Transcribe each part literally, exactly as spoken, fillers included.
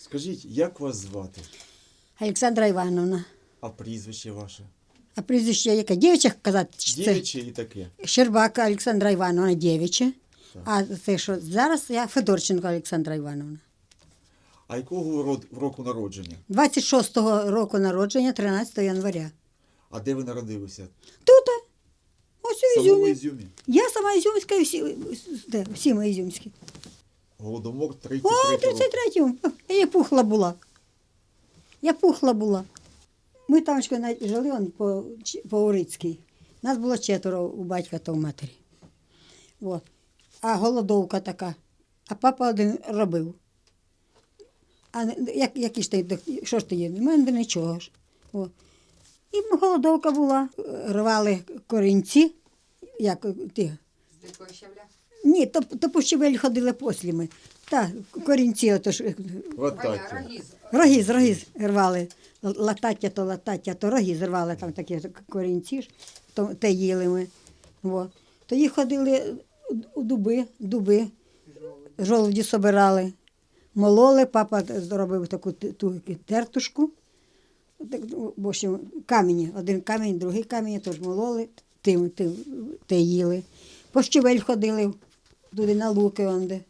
Скажіть, як вас звати? Олександра Івановна. А прізвище ваше? А прізвище яке? Дівча казати? Чи це? Дівиче і таке. Щербака Олександра Івановна, дівча. Так. А це що, зараз я Федорченко Олександра Івановна. А якого род- року народження? двадцять шостого року народження, тринадцятого января. А де ви народилися? Тут, ось В у самому Ізюмі. Ізюмі. Я сама Ізюмська, і всі, де, всі ми ізюмські. Голодомор О, тридцять третього року. тридцять третьому. Я пухла була. Я пухла була. Ми там ще навіть жили он, по, Ч- по Урицькій. Нас було четверо у батька та у матері. От. А голодовка така. А папа один робив. А не- як, які ж ти, що ж ти є? У мене нічого ж. О. І голодовка була. Рвали корінці. Як ті. З дикого щавля? Ні, то, то по щебель ходили послі ми. Та, корінці, ото ж, Латаття. Рогіз. рогіз, рогіз рвали. Латаття то латаття, то рогіз рвали, там такі корінці ж, то, те їли ми. Во. Тоді ходили у дуби, дуби, жолуді собирали, мололи, папа зробив таку т- ту тертушку, так, ну, в общем, камені, один камінь, другий камінь, тож мололи, тим, тим, те їли. По щовель ходили, туди на луки онде.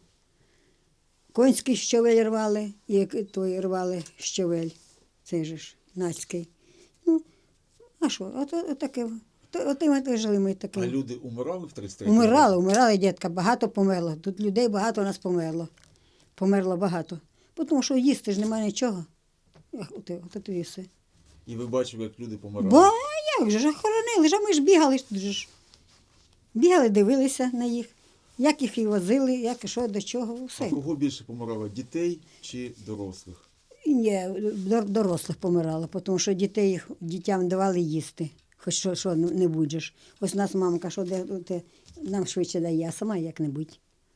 Конський щовель рвали, і той рвали щовель, цей же ж, нацький. Ну, а що, от, от, таке, от, от ми жили ми А таке. люди умирали в тридцять третьому Умирали, році? умирали, дітка, багато померло. Тут людей багато у нас померло. Померло багато. Бо тому що їсти ж немає нічого. Ах, от, от, от і все. І ви бачили, як люди помирали? Бо як же ж охоронили, ж а ми ж бігали ж тут же ж. Бігали, дивилися на їх, як їх і возили, як і що, до чого, А все. кого більше помирало? Дітей чи дорослих? І ні, дор- дорослих помирало, тому що дітей їх дітям давали їсти, хоч що, що не будеш. Ось у нас мамка, що де, де, нам швидше дає, а сама як-небудь.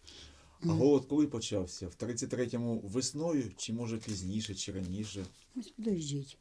А голод коли почався? В тридцять третьому весною, чи може пізніше, чи раніше? Ось подождіть.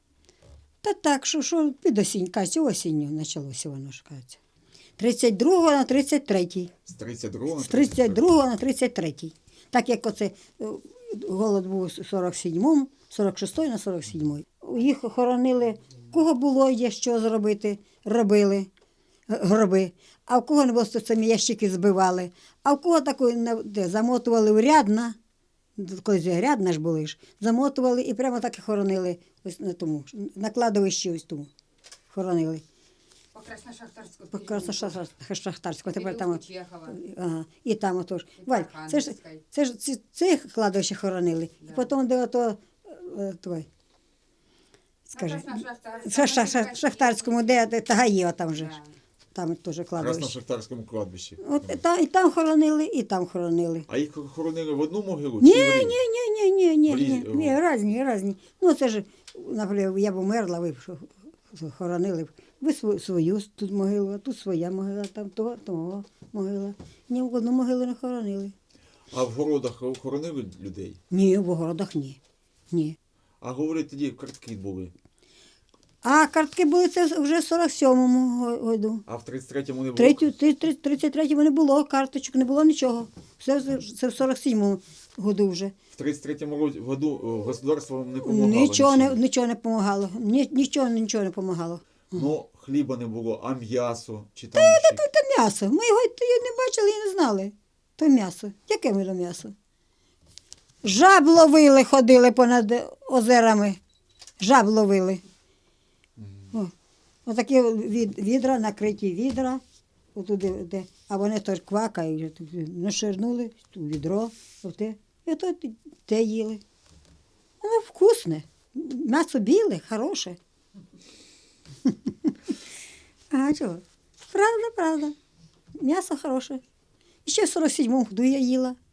Та так, що, що під осінь, кажуть, осінню почалося воно ж, кажуть. тридцять другого на тридцять третій. З тридцять другого на З тридцять другого на тридцять третій. Так як оце е, голод був у сорок сьомому, сорок шостий на сорок сьомий. Їх хоронили, кого було є що зробити, робили е, гроби. А в кого не було, то самі ящики збивали. А в кого таку не- де, замотували в рядна, колись рядна ж були ж, замотували і прямо так і хоронили ось на тому, на кладовищі ось тому хоронили. По Красношахтарську. По Красношахтарську, тепер там. от- Чехова. Ага, і там отож. І Валь, це ж, Архангельська. це ж це, це кладовище хоронили. І Да. потім, де ото, е, той, скажи, Красношахтарська. ша, ша, ша, Шахтарському, де, де Тагаєва там же, ж. Да. Там теж В кладовище. Красношахтарському кладбищі. От і там, і там хоронили, і там хоронили. А їх хоронили в одну могилу? Ні, чи в ні, різні? ні, ні, ні, ні, ні, Різ- ні, різні, різні. Ну, це ж, наприклад, я б умерла, ви б що, хоронили б. Ви свою, свою тут могилу, а тут своя могила, там того, того могила. Ні, в одну могилу не хоронили. А в городах хоронили людей? Ні, в огородах ні. Ні. А говорять, тоді картки були. А картки були це вже в сорок сьомому го- году. А в тридцять третьому не було? Третю, три- три- тридцять третьому не було карточок, не було нічого. Все це- це в сорок сьомому году вже. В тридцять третьому році- году о, государство вам не допомагало? Нічого не, нічим? нічого не допомагало. Ні, нічого, нічого не допомагало. Ну, хліба не було, а м'ясо? Чи там ще? То, то м'ясо. Ми його й- не бачили і не знали. То м'ясо. Яке ми то м'ясо? Жаб ловили, ходили понад озерами. Жаб ловили. О, отакі від, відра, накриті відра. Отуди, де, а вони теж квакають, наширнули в відро, оте, і то те- те їли. Воно вкусне. М'ясо біле, хороше. А чого? Правда, правда. М'ясо хороше. І ще в сорок сьомому году я їла.